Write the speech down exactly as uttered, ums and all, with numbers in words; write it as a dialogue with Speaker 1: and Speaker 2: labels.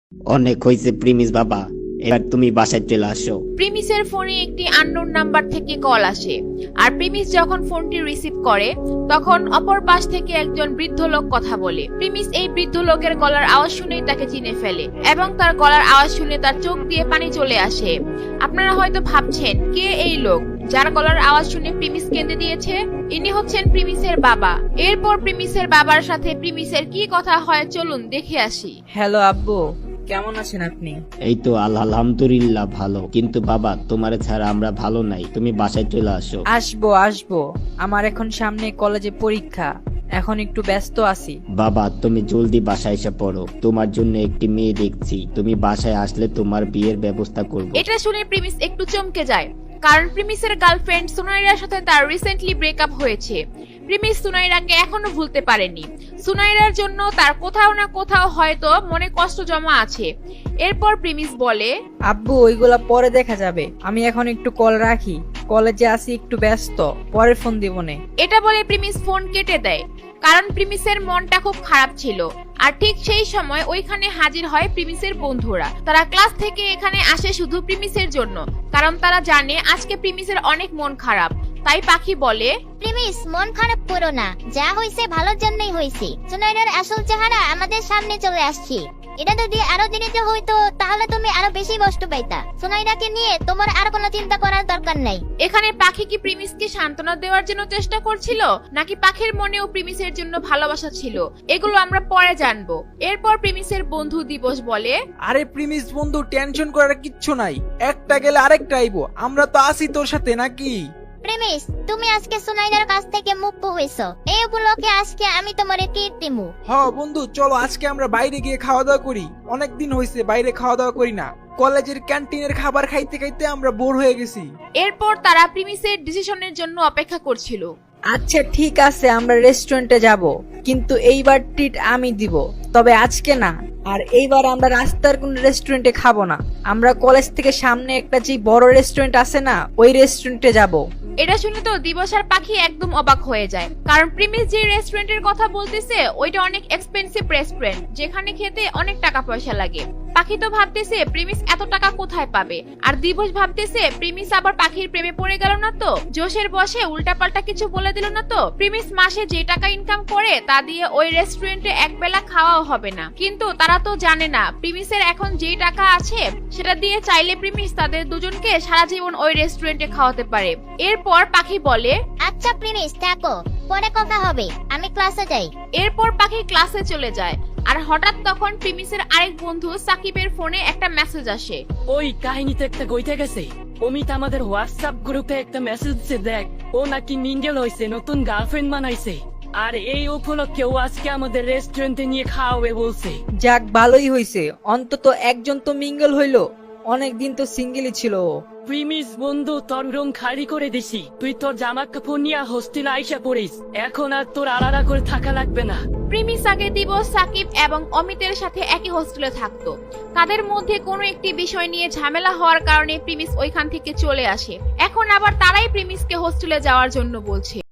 Speaker 1: অনেক হয়েছে প্রিমিস বাবা, এবার তুমি বাসায় চলে আসো।
Speaker 2: প্রিমিসের ফোনে একটি আননোন নাম্বার থেকে কল আসে, আর প্রিমিস যখন ফোনটি রিসিভ করে তখন অপর পাশ থেকে একজন বৃদ্ধ লোক কথা বলে। প্রিমিস এই বৃদ্ধ লোকের গলার আওয়াজ শুনেই তাকে চিনে ফেলে এবং তার গলার আওয়াজ শুনে তার চোখ দিয়ে পানি চলে আসে। আপনারা হয়তো ভাবছেন কে এই লোক যার গলার আওয়াজ শুনে প্রিমিস কেঁদে দিয়েছে? ইনি হচ্ছেন প্রিমিসের বাবা। এরপর প্রিমিসের বাবার সাথে প্রিমিসের কি কথা হয় চলুন দেখে আসি।
Speaker 3: হ্যালো আব্বু, কেমন আছেন আপনি?
Speaker 1: এই তো আলহামদুলিল্লাহ ভালো, কিন্তু বাবা তোমার ছাড়া আমরা ভালো নাই, তুমি বাসায় চলে আসো।
Speaker 3: আসবো আসবো, আমার এখন সামনে কলেজে পরীক্ষা, এখন একটু ব্যস্ত আছি।
Speaker 1: বাবা তুমি জলদি বাসায় এসে পড়ো, তোমার জন্য একটি মেয়ে দেখছি, তুমি বাসায় আসলে তোমার বিয়ের ব্যবস্থা করব।
Speaker 2: এটা শুনে প্রিমিস একটু চমকে যায়, কারণ প্রিমিসের গার্লফ্রেন্ড সুনাইরার সাথে তার রিসেন্টলি ব্রেকআপ হয়েছে। প্রিমিস সুনাইরাকে এখনো ভুলতে পারেনি। সুনাইরার জন্য তার কোথাও না কোথাও হয়তো মনে কষ্ট জমা আছে। এরপর প্রিমিস বলে,
Speaker 3: আব্বু ওইগুলা পরে দেখা যাবে, আমি এখন একটু কল রাখি, কলেজে আছি, একটু ব্যস্ত, পরে ফোন দিবনে।
Speaker 2: এটা বলে প্রিমিস ফোন কেটে দেয়, কারণ প্রিমিসের মনটা খুব খারাপ ছিল। আর ঠিক সেই সময় ওইখানে হাজির হয় প্রিমিসের বন্ধুরা। তারা ক্লাস থেকে এখানে আসে শুধু প্রিমিসের জন্য, কারণ তারা জানে আজকে প্রিমিসের অনেক মন খারাপ। তাই পাখি বলে,
Speaker 4: প্রিমিস মন খারাপ করো না, যা হয়েছে ভালোর জন্যই হয়েছে। সুনাইরার আসল চেহারা আমাদের সামনে চলে আসছে। এটা যদি আরো দেরিতে হইতো তাহলে তুমি আরো বেশি কষ্ট পাইতা। সুনাইরাকে নিয়ে তোমার আর কোনো চিন্তা করার দরকার নাই।
Speaker 2: এখানে পাখি কি প্রিমিসকে সান্ত্বনা দেওয়ার জন্য চেষ্টা করছিল, নাকি পাখির মনেও প্রিমিসের জন্য ভালোবাসা ছিল, এগুলো আমরা পরে জানবো। এরপর প্রিমিসের বন্ধু দিবস বলে,
Speaker 5: আরে প্রিমিস বন্ধু, টেনশন করার কিচ্ছু নাই, একটা গেলে আরেকটা আইবো, আমরা তো আছি তোর সাথে নাকি?
Speaker 4: প্রিমিস তুমি আজকে সুনাইরার কাছ থেকে মুক্ত হইছো, এই উপলক্ষে আজকে আমি তোমারে ট্রিট দিমু।
Speaker 5: হ বন্ধু, চলো আজকে আমরা বাইরে গিয়ে খাওয়া দাওয়া করি, অনেকদিন হয়েছে বাইরে খাওয়া দাওয়া করি না, কলেজের ক্যান্টিনের খাবার খাইতে খাইতে আমরা বোর হয়ে গেছি।
Speaker 2: এরপর তারা প্রিমিসের ডিসিশনের জন্য অপেক্ষা করছিল।
Speaker 3: আচ্ছা ঠিক আছে, আমরা রেস্টুরেন্টে যাব, কিন্তু এইবার ট্রিট আমি দিব, তবে আজকে না। আর এইবার আমরা রাস্তার কোন রেস্টুরেন্টে খাবো না, আমরা কলেজ থেকে সামনে একটা যে বড় রেস্টুরেন্ট আছে না, ওই রেস্টুরেন্টে যাব।
Speaker 2: এটা শুনে তো দিবস আর পাখি একদম অবাক হয়ে যায়, কারণ প্রিমিস যে রেস্টুরেন্টের কথা বলতেছে ওইটা অনেক এক্সপেন্সিভ রেস্টুরেন্ট, যেখানে খেতে অনেক টাকা পয়সা লাগে। পাখি তো ভাবতেছে প্রিমিস এত টাকা কোথায় পাবে, আর দিবস ভাবতেছে প্রিমিস আবার পাখির প্রেমে পড়ে গেল না তো, জোশের বসে উল্টাপাল্টা কিছু বলে দিল না তো। প্রিমিস মাসে যে টাকা ইনকাম করে তা দিয়ে ওই রেস্টুরেন্টে এক বেলা খাওয়াও হবে না, কিন্তু তারা তো জানে না প্রিমিসের এখন যে টাকা আছে সেটা দিয়ে চাইলে প্রিমিস তাদের দুজনকে সারা জীবন ওই রেস্টুরেন্টে খাওয়াতে পারে। এরপর পাখি বলে,
Speaker 4: আচ্ছা প্রিমিস থাকো, পরে কথা হবে, আমি ক্লাসে যাই।
Speaker 2: এরপর পাখি ক্লাসে চলে যায়। আর হঠাৎ তখন প্রিমিসের আরেক বন্ধু সাকিবের ফোনে একটা মেসেজ আসে।
Speaker 6: ওই কাহিনীতে একটা গইতে গেছে, অমিত আমাদের হোয়াটসঅ্যাপ গ্রুপে একটা মেসেজ দিছে, দেখ ও নাকি মিঙ্গেল হইছে, নতুন গার্লফ্রেন্ড বানাইছে, আর এই উপলক্ষে ও আজকে আমাদের রেস্টুরেন্টে নিয়ে খাওয়াবে বলছে।
Speaker 3: যাক ভালোই হইছে, অন্তত একজন তো মিঙ্গল হইলো, অনেকদিন তো সিঙ্গেলই ছিল ও।
Speaker 6: প্রিমিস বন্ধু, তোর রুম খালি করে দিছি, তুই তোর জামা কাপড় নিয়ে হোস্টেলে আইসা পড়িস, এখন আর তোর আলাদা করে থাকা লাগবে না।
Speaker 2: প্রিমিস আগে দিবস, সাকিব এবং অমিতের সাথে একই হোস্টেলে থাকতো। তাদের মধ্যে কোনো একটি বিষয় নিয়ে ঝামেলা হওয়ার কারণে প্রিমিস ওইখান থেকে চলে আসে। এখন আবার তারাই প্রিমিসকে হোস্টেলে যাওয়ার জন্য বলছে।